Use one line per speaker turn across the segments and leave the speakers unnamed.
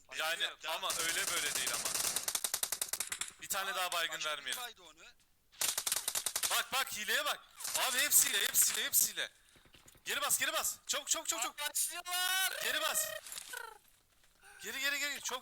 Yani
Yok,
ama öyle böyle değil ama. Bir tane daha baygın
başka
vermeyelim.
bir kaydı onu.
Bak hileye bak. Abi hepsiyle. Geri bas. Çabuk.
Başlıyorlar.
Geri bas. Geri. Çok.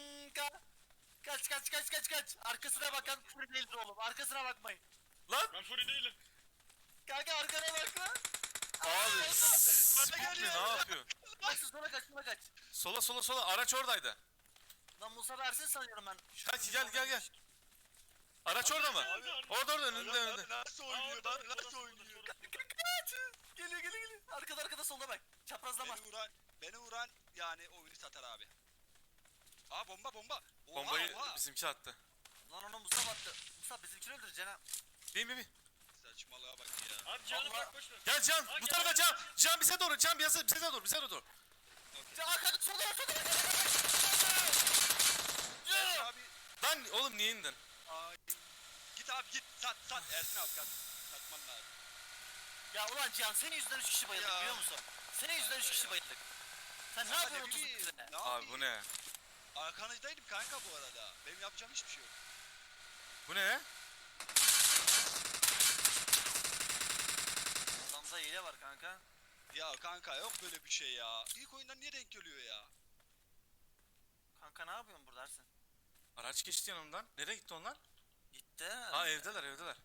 Kaç. Arkasına bakan fury değildir oğlum. Arkasına bakmayın.
Lan.
Ben Fury değilim.
Kanka arkana bak lan.
Abi Spook ne yapıyor?
Kaçsın sola kaç.
Sola. Araç oradaydı.
Lan Musa versin sanıyorum ben.
Kaç gel. Araç orada mı? Orada önünde.
Nasıl oynuyor lan? Nasıl oynuyor?
Kaç. Geliyor. Arkada solda bak. Çaprazlama.
Beni vuran yani oyunu satar abi. Aa bomba. Oha,
Bombayı
oha.
bizimki attı.
Lan onu Musa battı. Musa bizimkini öldüreceksin ha.
Bin.
Saçmalığa bak ya.
Abi canı
Allah.
bırak boş ver.
Gel Can.
Aa,
Bu
gel,
tarafa
gel.
Can. Can bize doğru. Bize doğru.
Arkada solda.
Ersin abi.
Lan oğlum niye indin?
Ay. Git abi git. Sat. Ersin abi kaç. Satman lazım.
Ya ulan Cihan senin yüzünden 3 kişi bayıldık
Ya.
biliyor musun? Senin yüzünden 3 kişi bayıldık. Sen ne yapıyorsun 30
bileyim,
sene?
ne
Abi
yapayım?
bu ne?
Arkanızdaydım kanka bu arada. Benim yapacağım hiçbir şey yok.
Bu ne?
Adamda hile var kanka.
Ya kanka yok böyle bir şey ya. İlk oyundan niye denk geliyor ya?
Kanka ne yapıyorsun burada Ersin?
Araç geçti yanımdan. Nereye gitti onlar?
Gitti.
Ha evdeler.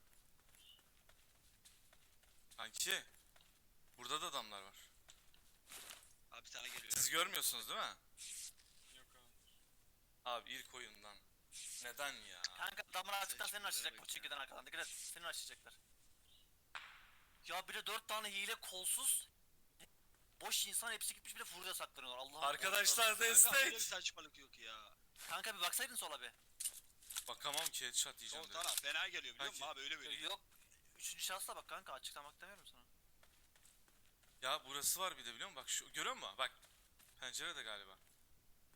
Kanki. Burada da adamlar var.
Abi sana geliyor.
Siz görmüyorsunuz değil mi?
Yok abi.
Abi ilk oyundan. Neden ya?
Kanka adamlar açıktan
Seç
seni
bunları
açacak bu
bekle.
çekiden arkadan. Dikkat et seni açacaklar. Ya bir de 4 tane hile kolsuz. Boş insan hepsi gitmiş bir de furya saklanıyorlar. Allah'ım.
Arkadaşlar
Kanka böyle bir
destek.
saçmalık yok ya.
Kanka bir baksaydın sola bir.
Bakamam ki headshot
O
diyeceğim direkt.
tamam fena geliyor biliyor musun
Kanki.
abi öyle böyle.
Yok. Üçüncü şansla bak kanka açıklamak demiyorum sana.
Ya burası var bir de biliyor musun? Bak şu görüyor musun? Bak. Pencerede galiba.